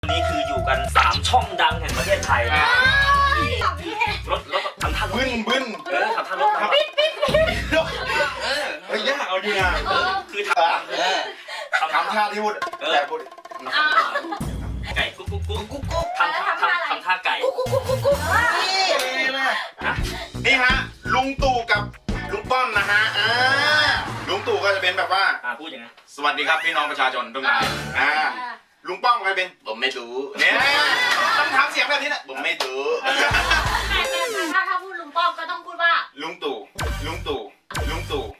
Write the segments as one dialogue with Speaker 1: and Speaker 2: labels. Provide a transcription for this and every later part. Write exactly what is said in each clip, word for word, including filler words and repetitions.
Speaker 1: วันนี้คืออยู่กันสามช่องดังแห่งประเทศไทยนะรถรถทำท่ารถ
Speaker 2: บึ้นบึ้น
Speaker 1: เออทำท่ารถทำ
Speaker 3: ปิดปิดปิด
Speaker 2: เฮ้ยยากเอาดีนะ
Speaker 1: คือทำ
Speaker 2: ทำท่าที่พูดแต่พูด
Speaker 1: ไก่กุ๊กกุ๊กกุ๊กกุ๊กกุ๊กทำทำทำท่าไก่
Speaker 2: นี่ฮะลุงตู่กับลุงป้อมนะฮะอ่าลุงตู่ก็จะเป็นแบบว่า
Speaker 1: อ่าพูดยังไง
Speaker 2: สวัสดีครับพี่น้องประชาชนทุกท่านอ่าลุงป้อมก็จะเป็นผมไม่รู้เนี่ยต้องทำเสียงแบบนี้แหละผมไม่รู้
Speaker 3: ถ้าถ้าพูดลุงป้อมก็ต้องพูดว่า
Speaker 2: ลุงตู่ลุงตู่ลุงตู่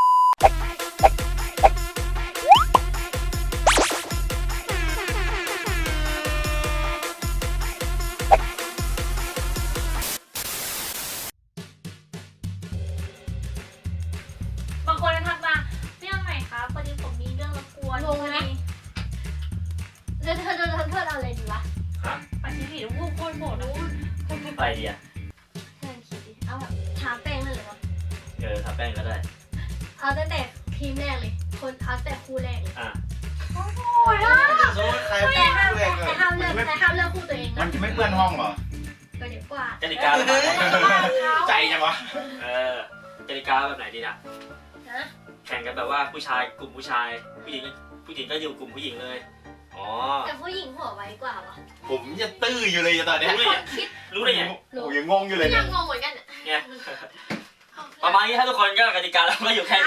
Speaker 3: บางคนทักมาเรื่องไหนคะพอดีผมมีเรื่องรบกวนงงไหมเธอเธอเธอเธอเธอเอาอะไรดีวะ
Speaker 1: ฮะ
Speaker 3: ปฏิทินพูดโคตรโหดนะ
Speaker 1: ไปดีอ่ะ
Speaker 3: เธอคิดดิเอาแบบทาแป้งนั่นเลยวะ
Speaker 1: เออทาแป้งก็ได้
Speaker 3: เอาตั้งแต่ทีมแรกเลยคนเอาแต่คู่แรกเลย
Speaker 1: อ่า
Speaker 3: โอ้ยนะ
Speaker 2: ใคร
Speaker 3: แต่ห้ามแต่ห้ามเลือกแต่ห้ามเลือกคู่ตัวเอง
Speaker 2: มั
Speaker 3: นะ
Speaker 2: นจะไม่เปื้อนห้องเหรอ
Speaker 3: ก็เดี๋ยวกว่า
Speaker 1: กติกาแบบไหน
Speaker 2: ใจจังวะ
Speaker 1: เออกติกาแบบไหนดีนะ
Speaker 3: นะ
Speaker 1: แข่งกันแบบว่าผู้ชายกลุ่มผู้ชายผู้หญิงผู้หญิงก็อยู่กลุ่มผู้หญิงเลยอ๋อ
Speaker 3: แต่ผู้หญิงหัวไวกว่าวะ
Speaker 2: ผมยังตื้ออยู่เลยตอนนี้
Speaker 1: รู้ได้ไง
Speaker 3: คิด
Speaker 1: รู้ได้ไง
Speaker 2: โอ้ยังงงอยู่เลย
Speaker 3: ยั
Speaker 2: เนี่ย
Speaker 3: งงงเหมือนกัน
Speaker 1: เนี่ยประมาณนี้ถ้าทุกคนก็กติกาแล้วก็อยู่แค่นี้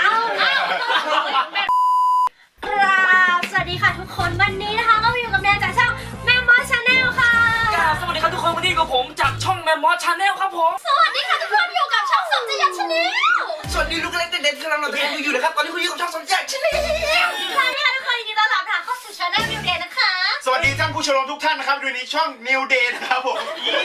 Speaker 3: ครับสวัสดีค่ะทุกคนวันนี้นะคะก็มาอยู่กับแนนจากช่องแมมมอสชาแนลค่ะ
Speaker 1: สวัสดีครับทุกคนวันนี้กับผมจากช่องแมมมอสชาแนลครับผม
Speaker 3: สวัสดีค่ะทุกคนอยู่กับช่องสมจิตชาแนล
Speaker 4: สวัสดีลูกเล็กเด็กๆกำลังเราทำอยู่นะครับตอนนี้คุณอยู่กับช่องสมจักรชาแนล
Speaker 3: ค่ะนี่ค่ะทุกคนยินดีต้อนรับค่ะเข้าสู่ชาแนลนิวเดย์นะคะ
Speaker 2: สวัสดีท่านผู้ชมทุกท่านนะครับดูในช่อง New Day นะครับผม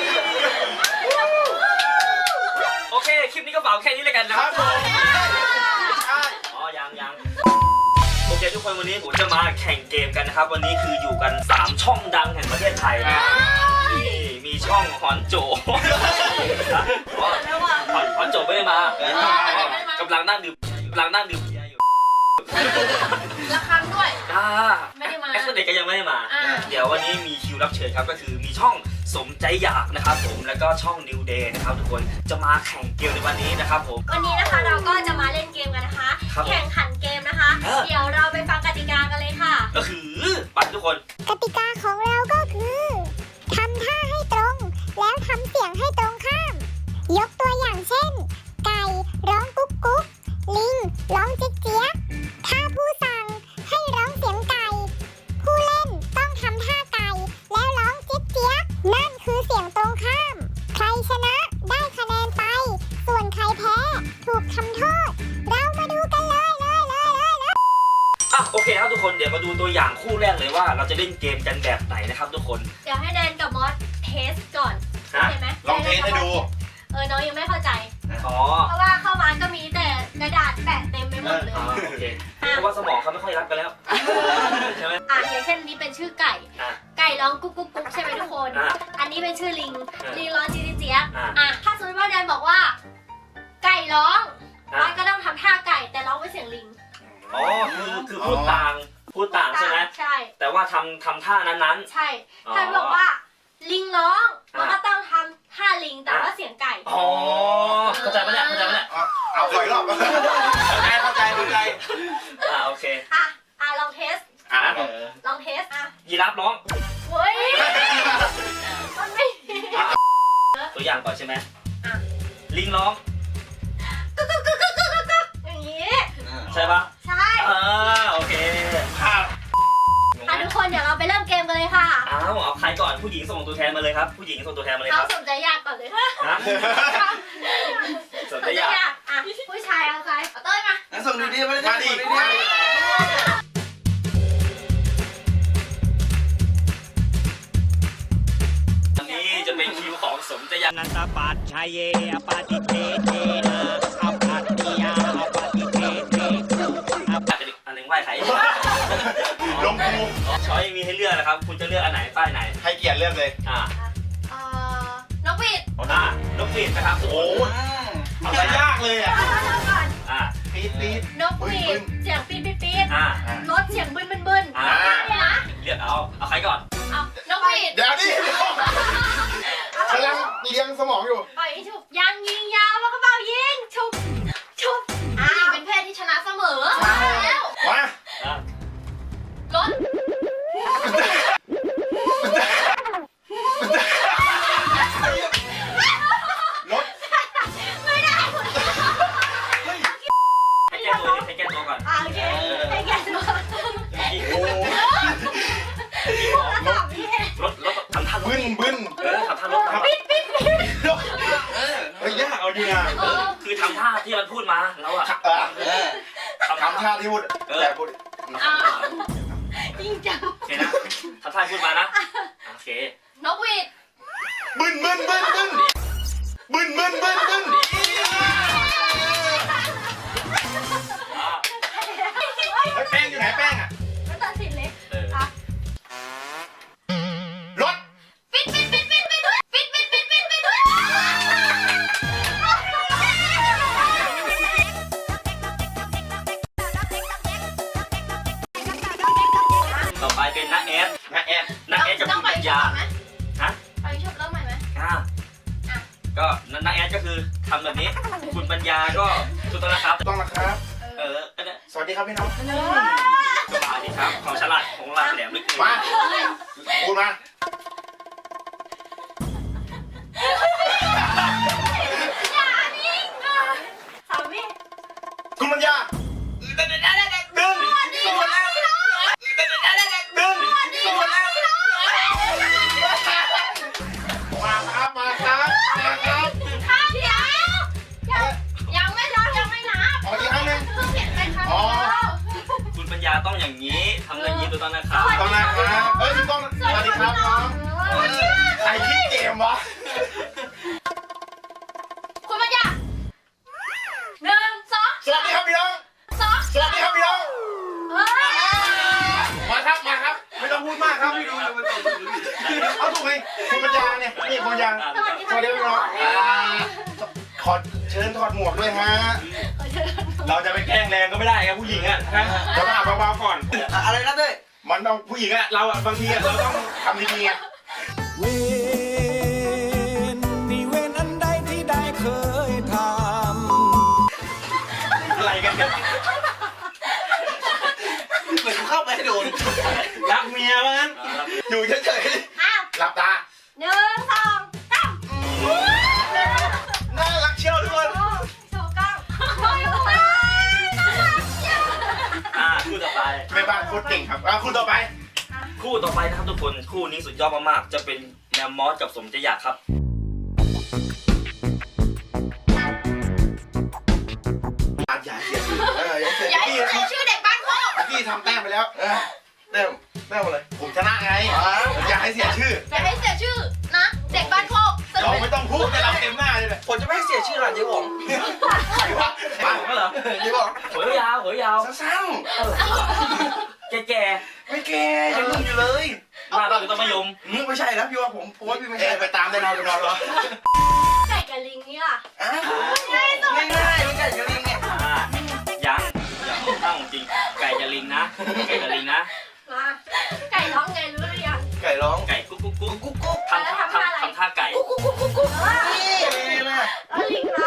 Speaker 1: โอเคคลิปนี้ก็ฝากแค่นี้เลยกันนะครับ
Speaker 2: ผมใช่
Speaker 1: อ๋อยังยังโอเคทุกคนวันนี้ผมจะมาแข่งเกมกันนะครับวันนี้คืออยู่กันสามช่องดังแห่งประเทศไทยนะนี่มีช่องฮอนโจฮอนฮอนโจไม่ได้มากำลังนั่งดื่มกำลังนั่งดื่มเบียร์อยู่
Speaker 3: ละครั้งด้วย
Speaker 1: อ่า
Speaker 3: ไม่ได้มา
Speaker 1: แอคเด็กก็ยังไม่ได้มา
Speaker 3: อ่า
Speaker 1: เดี๋ยววันนี้มีคิวรับเชิญครับก็คือมีช่องสมใจอยากนะครับผมแล้วก็ช่อง New Day นะครับทุกคนจะมาแข่งเกมในวันนี้นะครับผม
Speaker 3: วันนี้นะคะเราก็จะมาเล่นเกมกันนะคะ
Speaker 1: ครับ
Speaker 3: แข่งขันเกมนะคะ
Speaker 1: เออ
Speaker 3: เดี๋ยวเราไปฟังกติกากันเลยค่ะ
Speaker 1: ก็คือไปทุกคน
Speaker 5: กติกาของเราก็คือทำท่าให้ตรง แล้วทำเสียงให้ตรงข้าม ยกตัวอย่างเช่น ไก่ร้องกุ๊กกุ๊กลิงร้องเจ๊กเจ๊ยกถ้าผู้สั่งให้ร้องเสียงไก่ ผู้เล่นต้องทำท่าไก่แล้วร้องเจ๊กเจ๊ยกนั่นคือเสียงตรงข้าม ใครชนะได้คะแนนไป ส่วนใครแพ้ถูกทำโทษ เรามาดูกันเลยเลยเลยเลยเลย
Speaker 1: อ่ะโอเคครับทุกคนเดี๋ยวมาดูตัวอย่างคู่แรกเลยว่าเราจะเล่นเกมกันแบบไหนนะครับทุกคน
Speaker 3: เดี๋ยวให้แดนกับมอสเทสก่อน
Speaker 1: ฮะ
Speaker 3: เห็นไหม
Speaker 2: ลองเทสให้ดู
Speaker 3: เออน้องยังไม่เข้าใจ
Speaker 1: อ๋อ
Speaker 3: เพราะว่าเข้ามาก็มีแต่กระดาษแปะเต็มไปหมดเลย
Speaker 1: อ๋อโอเคเพราะว่าสมองเขาไม่ค่อยรับกันแล้วใช่ไหม
Speaker 3: อ่ะอย่างเช่นนี้เป็นชื่อไก่
Speaker 1: อ่ะ
Speaker 3: ไก่ร้องกุ๊กกุ๊กกุ๊กใช่ไหมทุกคน
Speaker 1: อ่ะ
Speaker 3: อันนี้เป็นชื่อลิง
Speaker 1: อ่ะ
Speaker 3: ลิงร้องจีจีเจี๊ยบ
Speaker 1: อ่ะ
Speaker 3: อ่ะถ้าสมมติว่าแดนบอกว่า ไก่ร้อง
Speaker 1: อ่ะ
Speaker 3: มันก็ต้องทำท่าไก่แต่ร้องเป็นเสียงลิง
Speaker 1: อ๋อคือคือพูดต่างพูดต่างใช่ไหม
Speaker 3: ใช่
Speaker 1: แต่ว่าทำทำท่านั้น
Speaker 3: ใช่
Speaker 1: อ๋อ
Speaker 3: ถ้าบอกว่า ลิงร้องมัน
Speaker 1: อ่ะ
Speaker 3: ก็ต้องทำท่าลิงแต่ว่าเสียงไก่
Speaker 1: ๆอ๋อเข้าใจปะเนี่ยเข้าใจปะเนี่ย
Speaker 2: เอาเอาขออีกรอบเข้าใจเข้าใจ
Speaker 1: อ่าโอเค
Speaker 3: อ่ะอ่ะลองเทส
Speaker 2: อ่ะ
Speaker 3: ลองเทสอ่ะ
Speaker 1: ยีราฟร้อง
Speaker 3: เฮ้ยมันไม่ดี
Speaker 1: ตัวอย่างก่อนใช่ไหม
Speaker 3: อ่ะ
Speaker 1: ลิงร้อง
Speaker 3: กุ๊กกุ๊กกุ๊กกุ๊กกุ๊กกุ๊กอย่างนี้
Speaker 1: ใช่ปะ
Speaker 3: ใช่
Speaker 1: อ่าโอเค
Speaker 2: ครับ
Speaker 3: อ่ะทุกคนเดี๋ยวเราไปเริ่มเกมกันเลยค่ะ
Speaker 1: อ้าวเอาใครก่อนผู้หญิงส่งตัวแทนมาเลยครับผู้หญิงส่งตัวแทนมาเลยค
Speaker 3: เขา
Speaker 1: รับ
Speaker 3: สนใจยากก่อนเลย
Speaker 1: นะส
Speaker 3: ส
Speaker 1: น
Speaker 3: น
Speaker 1: ใจ
Speaker 3: ใจ
Speaker 1: อยาก
Speaker 3: ยากอ่ะผู้ชายเอาใครเอาเต้ยมา
Speaker 4: งั้นส่งดูดีมาเลย
Speaker 2: มาดิ
Speaker 4: ส่ง
Speaker 2: มาดิ
Speaker 1: อันนี้จะเป็นคิวของสมใจอยาก
Speaker 6: นันตปัจชัยเยอปาติเทเทนะอปัตติยาอปาติเทเทอป
Speaker 1: อันหนึ่งไหว้ใคร
Speaker 2: ลงภู
Speaker 1: ช้อยมีให้เลือกนะครับคุณจะเลือกอันไหนป้ายไหน
Speaker 2: ให้เกียรติเลือกเลย
Speaker 1: อ่า
Speaker 3: เอ่อนกหวีด
Speaker 1: อ่านกหวีดนะครับโอ้โห
Speaker 2: เอาซะยากเลยอ่ะ
Speaker 3: เอาเริ่มก่อน
Speaker 1: อ่า
Speaker 2: ปี๊ดปี๊ด
Speaker 3: นกหวีดเสียงปี๊ดปี๊ดปี๊ด
Speaker 1: อ่า
Speaker 3: รถเสียงบึ้นบึ้นบึ้น
Speaker 1: อ่า
Speaker 3: ได้เลยนะ
Speaker 1: เลือกเอาเอาใครก่อน
Speaker 3: เอานกหวี
Speaker 2: เดี๋ยวดิกำลังเลี้ยงสมองอยู่
Speaker 3: ปล่อยฉุบยังยิงยาวแล้วก็เป่ายิงฉุบฉุบอ่าเป็นเพศที่ชนะเสมอมาแล้ว
Speaker 2: มา
Speaker 1: อ่ะ
Speaker 3: รถ
Speaker 2: รถ
Speaker 3: ไม่ได้
Speaker 1: ให้แก้ตัวดิให้แก้ตัวก่อน
Speaker 3: อ่าโอเคให้แกตัว
Speaker 2: โอ้
Speaker 3: แล้วต่อพี่
Speaker 1: รถรถทำท่ารถ
Speaker 2: บึ้นบึ้น
Speaker 1: เออทำท่ารถทำ
Speaker 3: ปิดปิดปิด
Speaker 2: เฮ้ยยากเอาดีนะ
Speaker 3: เออ
Speaker 1: คือทำท่าที่มันพูดมาแล้วอะ
Speaker 2: เออ
Speaker 1: ทำ
Speaker 2: ทำท่าที่พูดแต่พูด
Speaker 3: อ่าจริงจัง
Speaker 1: โอเคนะทำท่าพูดมานะโอเคน
Speaker 3: กหวีด
Speaker 2: บึ้นบึ้นบึ้นบึ้นบึ้นบึ้นบึ้นบึ้น
Speaker 1: อ่ะ
Speaker 2: เฮ้ยแป้งอยู่ไหนแป้งอ่ะ
Speaker 3: ไม่ตัดสินเลย
Speaker 1: เออ
Speaker 3: อ่ะ
Speaker 2: รถ
Speaker 3: ปิดปิดปิดปิดปิดปิดปิดปิดปิดปิดปิด
Speaker 1: ต่อไปเป็นนักแอด
Speaker 2: นะแอน
Speaker 1: นักแอดกับ
Speaker 3: ต้อ
Speaker 1: คุ
Speaker 3: ง
Speaker 1: ณ
Speaker 3: ไป
Speaker 1: ปัญ
Speaker 3: ช
Speaker 1: ญา
Speaker 3: อบไหม
Speaker 1: ฮะ
Speaker 3: ไปชอบเริ่มใหม่ไหม
Speaker 1: อ่าก็นักแอดก็คือทำแบบนี้ คุณปัญญาก็ถูกต้องนะครับ
Speaker 2: ต้องนะครับ
Speaker 1: เออก็เนี่ย
Speaker 2: สวัสดีครับพี่น้อง
Speaker 1: สบายดีครับของฉลาดของเราแหลมไม่เกิน
Speaker 2: มาพูดมา
Speaker 3: อย่านิ่งอ่ะสามี
Speaker 2: คุณปัญญาดึงดึงดึงดึงมาครับมาครับมาครับ
Speaker 3: ข้าวเดียวยังยังไม่รับยังไม่นับ
Speaker 2: ขออีกครั้งหนึ่ง
Speaker 3: เพิ่งเห็นเป็นครั้งเดียว
Speaker 1: คุณปัญญาต้องอย่างนี้ทำอย่างนี้ถูกต้องนะครับ
Speaker 2: ต้องนะครับเฮ้ยคุณต้องสวัสดีครับน้องใครคิดเกมวะ
Speaker 3: คุณปัญญาหนึ่งสอง
Speaker 2: สวัสดีครับพี่น้อง
Speaker 3: สอง
Speaker 2: สวัสดีครับพี่น้อง
Speaker 3: เฮ้ย
Speaker 2: มาครับมาครับไม่ต้องพูดมากครับพี่ดูเอาถูกไหมคุณปัญญาเนี่ยนี่คุณปัญญา
Speaker 3: สวัสดี
Speaker 2: สวัสดีพี่น้องอ่าขอเชิญถอดหมวกด้วยฮะ เราจะไปแกล้งแรงก็ไม่ได้ครับผู้หญิงอ่ะฮะเราต้องอาบเบาๆก่อน
Speaker 4: อะไรนะเต้ย
Speaker 2: มันต้องผู้หญิงอ่ะเราอ่ะบางทีอ่ะเราต้องทำดีๆอ่ะ
Speaker 6: เวนนี่เวนอันใดที่ได้เคยทำ
Speaker 2: อะไรกันเนี่ย
Speaker 4: เหมือนกูเข้าไปให้โดน
Speaker 2: รักเมียมันอยู่เฉย
Speaker 3: อ้าว
Speaker 2: ๆหลับตา
Speaker 3: หนึ่งสองสาม
Speaker 2: น่ารักเชียวทุกคน
Speaker 3: โชว์กล้องโชว์กล้องน่ารักเชียว
Speaker 1: อ่าคู่ต่อไป
Speaker 2: แม่บ้านโคตรเก่งครับอ่ะคุณต่อไป
Speaker 1: คู่ต่อไปนะครับทุกคนคู่นี้สุดยอดมากๆจะเป็นแมมมอสกับสมใจอยากครับ
Speaker 2: อาอย่าเสียชื่อเอออย่าเสีย
Speaker 3: อย่าให้
Speaker 2: พี่
Speaker 3: เสียชื่อเด็กบ้านโคก
Speaker 2: พี่ทำแต้มไปแล้วเออแต้มแต้มอะไรผมชนะไงผมอยากให้เสียชื่อ
Speaker 3: อย่าให้เสียชื่อนะ เด็กบ้านโคกสนุ
Speaker 2: เรา
Speaker 3: ก
Speaker 2: ไม่ต้องพูดแต่เราเต็มหน้าเลย
Speaker 4: ผมจะไม่ให้เสียชื่อหลานเจ๊หง
Speaker 2: ใครวะ
Speaker 1: บ้านผมก็เหรอ
Speaker 2: เจ๊บอก
Speaker 1: หัวยาวหัวยาว
Speaker 2: สั้น
Speaker 1: แก่
Speaker 2: ๆไม่แก่ยังหนุ่มอยู่เลย
Speaker 1: ๆบ้านเราอยู่ต้นมะยม
Speaker 4: อืมไม่ใช่แล้วพี่ว่าผมผมว่าพี่ไม่ใช่
Speaker 2: ไปตามได้นอนไปนอนรอ
Speaker 3: ไก่กับลิงนี่ล่ะ
Speaker 4: อ่ะง่ายๆไม่ใช่จะลิงไง
Speaker 1: อ่ายังยังตั้งจริงไก่จะลิงนะไก่จะลิงนะ
Speaker 3: มาไก่ร้องไงรู้หรือยัง
Speaker 2: ไก่ร้อง
Speaker 1: ไก่กุ๊กกุ๊กกุ๊ก
Speaker 4: กุ๊กกุ๊ก
Speaker 1: ทำท่าทำทำท่าไก่
Speaker 3: กุ๊กกุ๊กกุ๊กกุ๊กกุ๊ก
Speaker 4: นี่เลยนะ
Speaker 3: แล้วลิงนะ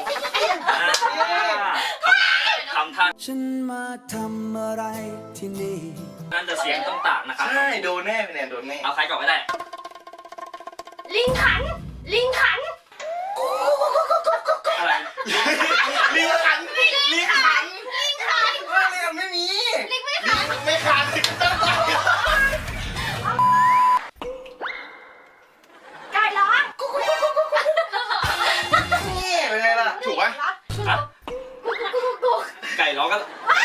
Speaker 1: อ่าทำท่า
Speaker 6: ฉันมาทำอะไรที่นี่
Speaker 1: นั่นจะเสียงต้องต่างนะครับ
Speaker 2: ใช่โดนแน่พี่แนนโดนแน่
Speaker 1: เอาใครก่อนก็ได้
Speaker 3: ลิงขัน ลิงขัน
Speaker 1: อะไร
Speaker 2: ลิงขันลิงขัน
Speaker 3: ลิงขัน
Speaker 2: ว่าเรียนไม่มี
Speaker 3: ลิงไม่ขัน
Speaker 2: ไม่ขาดต้องต่อย
Speaker 3: ไก่ร้องกุ๊กกุ๊กกุ๊กกุ๊กกุ๊ก
Speaker 2: นี่เป็นไงล่ะถูกปะ
Speaker 1: ฮะ
Speaker 3: กุ๊กกุ๊กกุ๊กกุ๊ก
Speaker 1: ไก่ร้องก็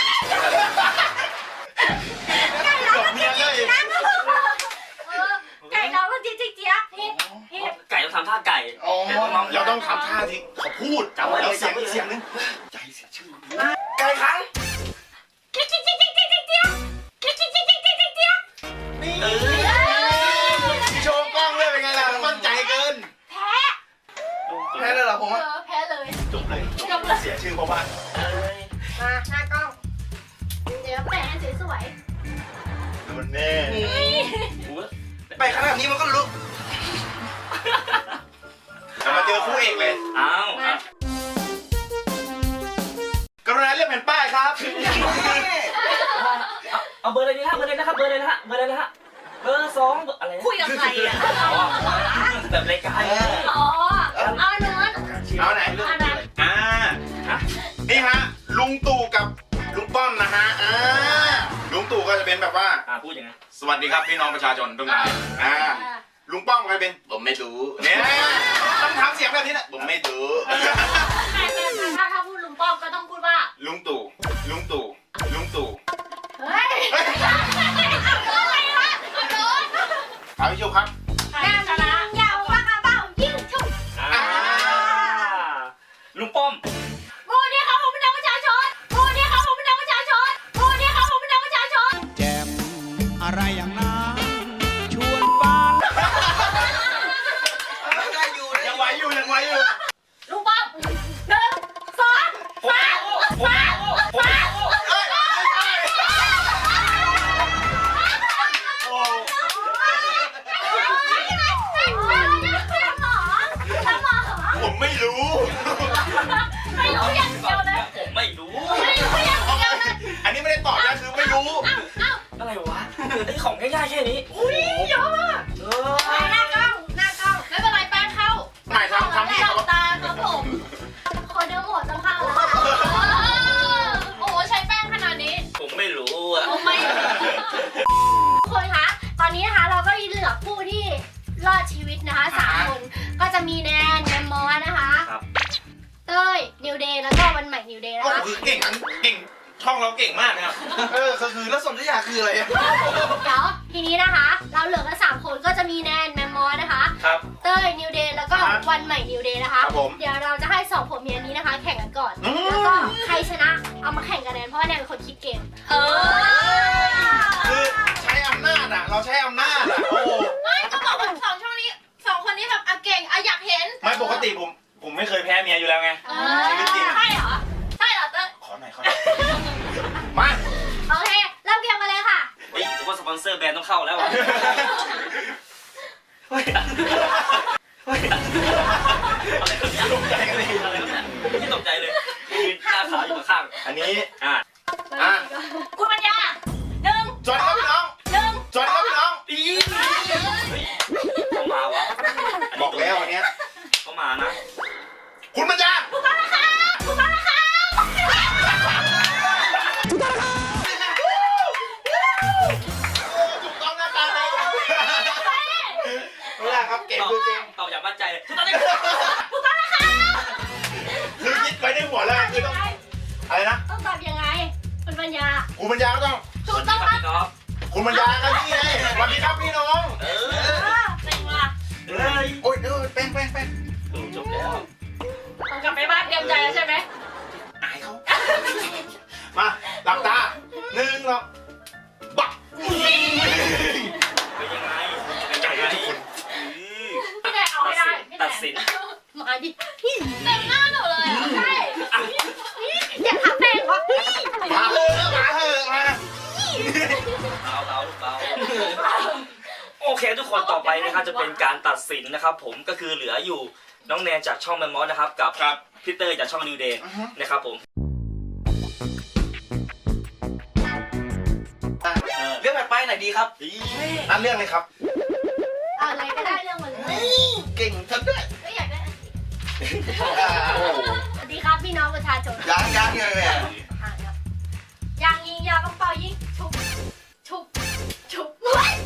Speaker 2: จบเมียเลย
Speaker 3: เออไก่ร้องก็เจี๊ยบเจี๊ยบเฮ้เฮ้
Speaker 1: ไก่ต้องทำท่าไก่
Speaker 2: อ๋อ
Speaker 1: แต่น้องๆ
Speaker 2: เราต้องทำท่าที่เขาพูด
Speaker 1: จำไว้เลย
Speaker 2: แล้วเสียง
Speaker 1: จำไว้เลย
Speaker 2: เสียงนึงใจเสียชื่อไก่ขัน
Speaker 3: เจี๊ยบเจี๊ยบเจี๊ยบเจี๊ยบเจี๊ยบเจี๊ยบเจี๊ยบเจี๊ยบเจี๊ยบเจี๊ยบเจี๊ยบ
Speaker 2: นี่
Speaker 1: เออ
Speaker 2: โชว์กล้องเลยเป็นไงล่ะมั่นใจเกิน
Speaker 3: แพ้
Speaker 2: แพ้เลยเหรอผม
Speaker 3: เอ
Speaker 2: ว่า
Speaker 3: อแพ้เลย
Speaker 2: จบเลย
Speaker 3: จบเลย
Speaker 2: เสียชื่อเพราะว่า
Speaker 3: มาหน้ากล้อง เดี๋ยวแปะให้สวย
Speaker 2: โดนแน่
Speaker 3: ๆ
Speaker 4: แปะไม่ขนาดนี้มันก็รู้
Speaker 2: จะมาเจอคู่เอกเลย
Speaker 1: เอ้า
Speaker 2: กรุณาเลือกแผ่นป้ายครับ
Speaker 1: เอาเอาเบอร์อะไรดีฮะเบอร์อะไรนะครับเบอร์อะไรนะฮะเบอร์อะไรนะฮะเบอร์สองเบอร์อะไรนะ
Speaker 3: คุยกับใครอ่ะ
Speaker 1: อ๋อแบบรายการเนี่ย
Speaker 3: อ๋อเอาเนื้อ
Speaker 2: เอาไหน
Speaker 3: เอาไหน
Speaker 2: อ่า
Speaker 1: ฮะ
Speaker 2: นี่ฮะ ลุงตู่กับลุงป้อมนะฮะ อ่า ลุงตู่ก็จะเป็นแบบว่า
Speaker 1: อ่าพูดยังไง
Speaker 2: สวัสดีครับพี่น้องประชาชนทุกท่านอ่า ลุงป้อมก็จะเป็นผมไม่รู้เนี่ยต้องทำเสียงแบบนี้นะผมไม่รู้
Speaker 3: ถ้าถ้าพูดลุงป้อมก็ต้องพูดว่า
Speaker 2: ลุงตู่ ลุงตู่ ลุงตู่
Speaker 3: เฮ้ยอะไรวะโดน
Speaker 2: เอาพี่ชูครับ
Speaker 3: แม่ชนะยาวปากกระเป๋ายิ่งชุบ
Speaker 1: อ่าลุงป้อม
Speaker 3: โมเนี่ยครับผมเป็นนักประชาชนโมเนี่ยครับผมเป็นนักประชาชนโมเนี่ยครับผมเป็นนักประชาชน
Speaker 6: แจมอะไรอย่างนั้นชวนบ้าน
Speaker 4: ได้อยู่ได้อ
Speaker 2: ยัง
Speaker 4: ยู่
Speaker 2: ไหวอยู่ยังไหวอยู่
Speaker 3: ลุงป้อมหนึ่งสองสามสามสาม
Speaker 2: เอ้ยโอ้
Speaker 3: สมอง
Speaker 2: ผมไม่รู้
Speaker 3: ไม่รู้อย่างเดียวเลย
Speaker 1: ผมไม่รู้
Speaker 3: ไม่รู้อย่างเดียวเลย
Speaker 2: อันนี้ไม่ได้ตอบนะคือไม่รู้
Speaker 1: อะไรวะไอ้ของง่ายๆแค่นี้
Speaker 3: อุ้ยเยอะมาก
Speaker 1: เอ
Speaker 3: หน้ากล้องหน้ากล้องไม่เป็นไรแป้งเข้า
Speaker 2: ไหนทำทำที่
Speaker 3: หลั
Speaker 2: เขา
Speaker 3: บตาครับผมคนเดียวหมดต้องเข้าแล้วโอ้ใช้แป้งขนาดนี้
Speaker 1: ผมไม่รู้อ่ะ
Speaker 3: โอ้ไม่คนคะตอนนี้นะคะเราก็เหลือผู้ที่รอดชีวิตนะคะสามคนก็จะมีแนนแนมมอสนะคะ
Speaker 1: ครับ
Speaker 3: เต้ยนิวเดย์แล้วก็วันใหม่นิวเดย์นะ
Speaker 2: โอ้
Speaker 3: คะ
Speaker 2: คือเก่งอันเก่งช่องเราเก่งมากนะครับ
Speaker 4: เออก็คือแล้วสนธยาคืออะไรอะ
Speaker 3: เดี๋ยวทีนี้นะคะ เราเหลือกันสามคนก็จะมีแนนแมมมอสนะคะ
Speaker 2: ครับ
Speaker 3: เต้ยนิวเดย์แล้วก็
Speaker 2: ครับ
Speaker 3: วันใหม่นิวเดย์นะคะ
Speaker 2: ครับผม
Speaker 3: เดี๋ยวเราจะให้สองผมเมียนี้นะคะ แข่งกันก่อน
Speaker 2: อืม
Speaker 3: แล้วก็ใครชนะเอามาแข่งกันแนนเพราะว่าแนนเป็นคนคิดเกมเออ
Speaker 2: คือใช้อำนาจอ่ะ เราใช้อำนาจอ่ะ โอ้
Speaker 3: ไม่ก็บอกว่าสองช่องนี้สองคนนี้แบบอ่ะเก่งอ่ะอยากเห็น
Speaker 2: ไม่ปกติผม ผมไม่เคยแพ้เมียอยู่แล้วไง
Speaker 3: เอ
Speaker 2: ชีวิตจริง
Speaker 3: อใช่เหรอใช่เหรอเต้ย
Speaker 2: ขอหน่อยขอหน่อยมา
Speaker 3: โอเคเริ่มเกมกันเลยค่ะ
Speaker 1: เฮ้ยแต่ว่าสปอนเซอร์แบรนด์ต้องเข้าแล้วอ่ะเฮ้ยเฮ้ยอะไรกันเนี่ย
Speaker 2: ตกใจกันเลย
Speaker 1: อะไรกันเนี่ยไม่ตกใจเลยยืนหน้าขาวอยู่ข้าง
Speaker 2: อันนี้
Speaker 1: ๆอ่ะ
Speaker 2: อ่ะ
Speaker 3: คุณปัญญาหนึ่ง
Speaker 2: สวัสดีครับพี่น้อง
Speaker 3: หนึ่ง
Speaker 2: สวัสดีครับพี่น้อง
Speaker 1: อีเฮ้ยเขามาว่ะ
Speaker 2: บอกแล้ววันเนี้ย
Speaker 1: เขามานะ
Speaker 2: คุณปัญญา
Speaker 3: ถูกต้องนะคะถูกต้องนะคะ
Speaker 2: ถูกต้องนะครับไม่ได้ครับ เก่งคือเก่ง
Speaker 1: ตอบอย่างมั่นใจเลยทุกท่านเลย
Speaker 3: ถูกต้องนะคะ
Speaker 2: คือคิดไปในหัวเลยคือต้อง อะไรนะ
Speaker 3: ต้องตอบยังไงคุณปัญญา
Speaker 2: คุณปัญญาก็ต้อง
Speaker 3: ถูกต้อง
Speaker 1: ค
Speaker 3: ค
Speaker 1: รั
Speaker 3: รั
Speaker 1: บบ พี่ก๊อฟ
Speaker 2: คุณปัญญาก็นี่ไงสวัสดีครับพี่น้อง
Speaker 1: เอ
Speaker 3: เอ
Speaker 1: อ
Speaker 3: อเป็นว่ะ
Speaker 1: เฮ้ย
Speaker 2: โอ้ยเออแป้งแป้งแป้ง
Speaker 1: จบแล้ว
Speaker 3: ต้องกลับไปบ้านเตรียมใจแล้วใช่ไหม
Speaker 2: อายเขา มาหลับตาหนึ่งหรอกบัก
Speaker 1: เป็นยังไงเป็นยังไง
Speaker 3: พี่แดงเอาให้ได้พี่แด
Speaker 1: ตัด
Speaker 3: ง
Speaker 1: สิน
Speaker 3: มาดิเต็มหน้าหนูเลยอ่ะใช่อย่าทำแม่งวะ
Speaker 2: มาเถอะมาเถอะมา
Speaker 1: เบาเบาเบาโอเคทุกคนต่อไปนะครับจะเป็นการตัดสินนะครับ ผมก็คือเหลืออยู่น้องแนนจากช่องแมมมอสนะครับกับ
Speaker 2: ครับ
Speaker 1: พี่เตอร์จากช่องนิวเดย์นะครับผมเออ
Speaker 4: เรื่องแบบไปไหนดีครับ
Speaker 2: นั่นเรื่องเลยครับ
Speaker 3: อะไรก็ได้เรื่องมันเลย
Speaker 4: เก่งทั้งด้วย
Speaker 3: ก็อยากได้
Speaker 4: อ่า
Speaker 3: สวัสดีครับพี่น้องประชาชน
Speaker 4: ยังยังยังไง
Speaker 3: อ่ะครับยางยิงยาวกระเป๋ายิงชุบชุบชุบ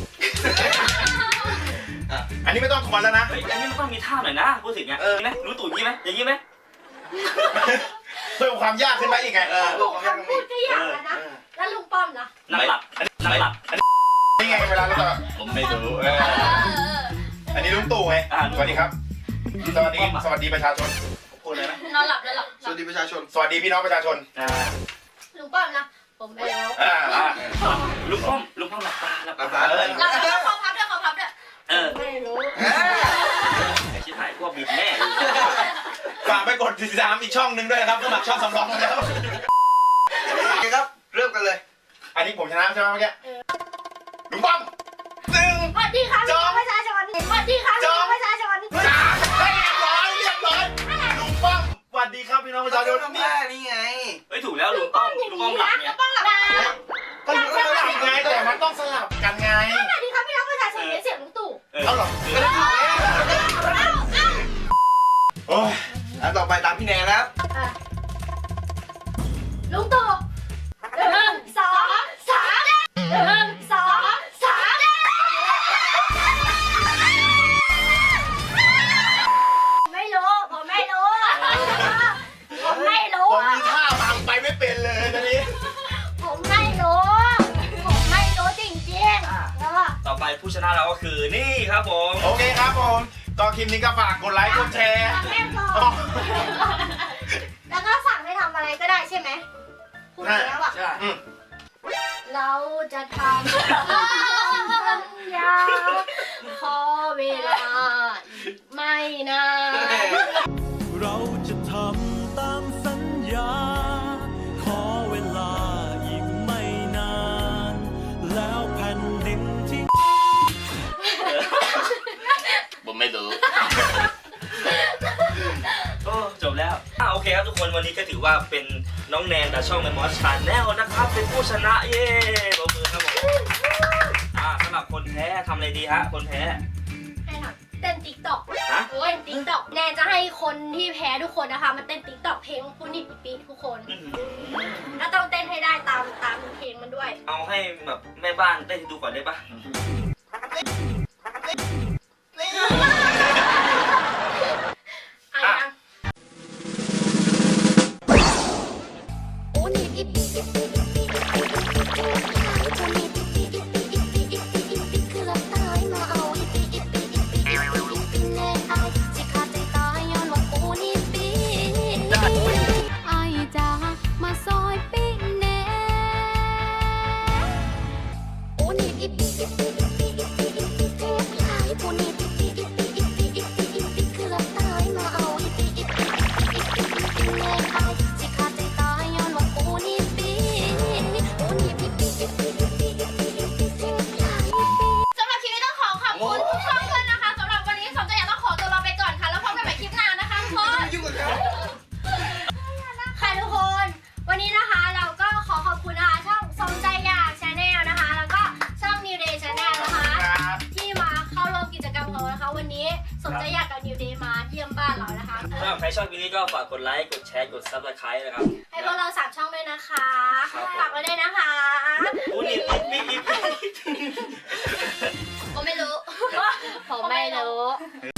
Speaker 2: อันนี้ไม่ต้องทวนแล้วนะ
Speaker 1: เฮ้ยอันนี้มันต้องมีท่าหน่อยนะพูดถึงอ่ะเออไหมรู้ตู่ยี่ไหมอย่างนี้ไหม
Speaker 2: เพิ่มความยากขึ้นไปอีกไง
Speaker 4: เออพวกของยัง
Speaker 3: คำ
Speaker 4: มี
Speaker 3: พูดก็อยากแล้วนะแล้วลุงป้อมนะ
Speaker 1: นั่งหลับนั่งหลับ
Speaker 2: นี่ไงเวลาเราจะ
Speaker 1: ผมไม่รู้
Speaker 2: เอออันนี้ลุงตู่ไงสวัสดีครับ สวัสดี สวัสดีประชาชนพูดเลยนะ
Speaker 3: นอนหลับแล้วหลับ
Speaker 4: สวัสดีประชาชน
Speaker 2: สวัสดีพี่น้องประชาชน
Speaker 1: อ่า
Speaker 3: ลุงป้อมนะผมเอล
Speaker 2: อ่าอ่า
Speaker 1: ลุงป้อมลุงป้อมหลับตาหลับ
Speaker 4: หลับ
Speaker 1: ตา
Speaker 4: ตาเลย
Speaker 3: หลับแล้วขอพับด้วยขอพับด้วย
Speaker 1: เออ
Speaker 3: ไม่รู้
Speaker 1: ไอ้ชิบหายพวกบิดแน่
Speaker 2: ฝากไปกดติดตามอีกช่องหนึ่งด้วยนะครับสมัครช่องสำรองแล้ว
Speaker 4: โอเคครับ เริ่มกันเลย
Speaker 2: อันนี้ผมชนะใช่ไหมเมื่อกี้ลุงป้อมหนึ่ง
Speaker 3: วันดีครับพี่น้องประชาชนสวัสดีครับพี่น้องประชาชน
Speaker 2: เฮ้ยเรียบร้อยเรียบร้อยลุงป้อมสวัสดีครับพี่น้องประชาชน
Speaker 4: ทำ
Speaker 2: นี่
Speaker 4: ได้นี่ไง
Speaker 1: เฮ้ยถูกแล้วลุงป้อมลุงป้อมหลับเนี่ย
Speaker 3: ป้องหลับ
Speaker 2: ก็ลุงสลับไงแต่มันต้องสลับกันไง
Speaker 3: สวัสดีครับพี่น้องประชาชนเสียงลุงตู่
Speaker 1: เออ
Speaker 2: เอาเหรอโอ้ย
Speaker 4: แล้วต่อไปตามพี่แนนแล้ว
Speaker 3: ลุงตู่หนึ่งสองสามหนึ่งสองสามไม่รู้ผมไม่รู้ผมไม่รู้
Speaker 2: ผมมีท่าบังไปไม่เป็นเลยตอนนี้
Speaker 3: ผมไม่รู้ผมไม่รู้จริงๆแล้วก็
Speaker 1: ต่อไปผู้ชนะเราก็คือนี่ครับผม
Speaker 2: โอเคครับผมก็คลิปนี้ก็ฝากกดไลค์กดแชร์
Speaker 3: แม่บอกแล้วก็สั่งให้ทำอะไรก็ได้ใช่ไหมพูดแล้วอ่ะ
Speaker 4: ใช่
Speaker 2: อืม
Speaker 3: เราจะทำสัญญาขอเวลาอีกไม่นาน
Speaker 7: เราจะทำตามสัญญา ขอเวลาอีกไม่นาน แล้วแผ่นดินที่
Speaker 1: ผมไม่รู้ โอ้จบแล้วอ่ะโอเคครับทุกคนวันนี้ก็ถือว่าเป็นน้องแนนจากช่องแมมมอสชาแนลนะครับเป็นผู้ชนะเย้ปรบมือครับผมอ่าสำหรับคนแพ้ทำอะไรดีฮะคนแพ้
Speaker 3: ให้ทำเต้นติ๊กต็อก
Speaker 1: ฮะ
Speaker 3: โอ้ยติ๊กต็อกแนนจะให้คนที่แพ้ทุกคนนะคะมาเต้นติ๊กต็อกเพลงปุนิปิปิทุกคน
Speaker 1: อื้อหือ
Speaker 3: แล้วต้องเต้นให้ได้ตามตามเพลงมันด้วย
Speaker 1: เอาให้แบบแม่บ้านเต้นให้ดูก่อนได้ปะ
Speaker 3: อ่ะยัง
Speaker 5: โอ้นี่อิปอิปอิปอิปอิปอิปอิปอิปอิปอิปอิปอิปอิปอิปอิปอิปอิปอิปอิปคือละตายมาเอาอิปอิปอิปอิปอิปอิปอิปอิปแน่อายสิขาดใจตายย้อนว่ากูนี่ปีอายจ้ามาซอยปีแน่โอ้นี่อิปอิปอิปอิปอิปอิปอิปอิปอิปอิปหลายกูนี่อิปอิปอิปอิปอิปอิปอิปอิปอิปคือละตายมาเอาอิปอิปอิปอิปอิปอิปอิปอิปแน่อายสิขาดใจตายย้อนว่ากูนี่ปีโอ้นี่อิปอิปอิปอิปอิปอิปอิปอิปอิปอิปหลายปี
Speaker 3: สำหรับคลิปนี้ต้องขอขอบคุณทุกช่องด้วยนะคะสำหรับวันนี้สมใจอยากต้องขอตัวลาไปก่อนค่ะแล้วพบกันใหม่คลิปหน้านะคะทุกคน
Speaker 4: ยุ่งกับเขา
Speaker 3: ค่ะทุกคนวันนี้นะคะเราก็ขอขอบคุณนะคะช่องสมใจอยากชาแนลนะคะแล้วก็ช่อง New Day Channel นะคะ
Speaker 2: ครับ
Speaker 3: ที่มาเข้าร่วมกิจกรรมของเรานะคะ วันนี้สมใจอยากกับ New Day มาเยี่ยมบ้านเรานะคะ
Speaker 1: ถ้าใครชอบคลิปนี้ก็ฝากกดไลค์กดแชร์กดซับสไครต์นะครับ
Speaker 3: ให้พวกเราสามช่องด้วยนะคะ
Speaker 1: ครับ
Speaker 3: ฝากไว้ด้วยนะคะ
Speaker 1: อู้นี่ปิ๊บปิ๊บปิ๊บ
Speaker 3: ผมไม่รู้ผมไม่รู้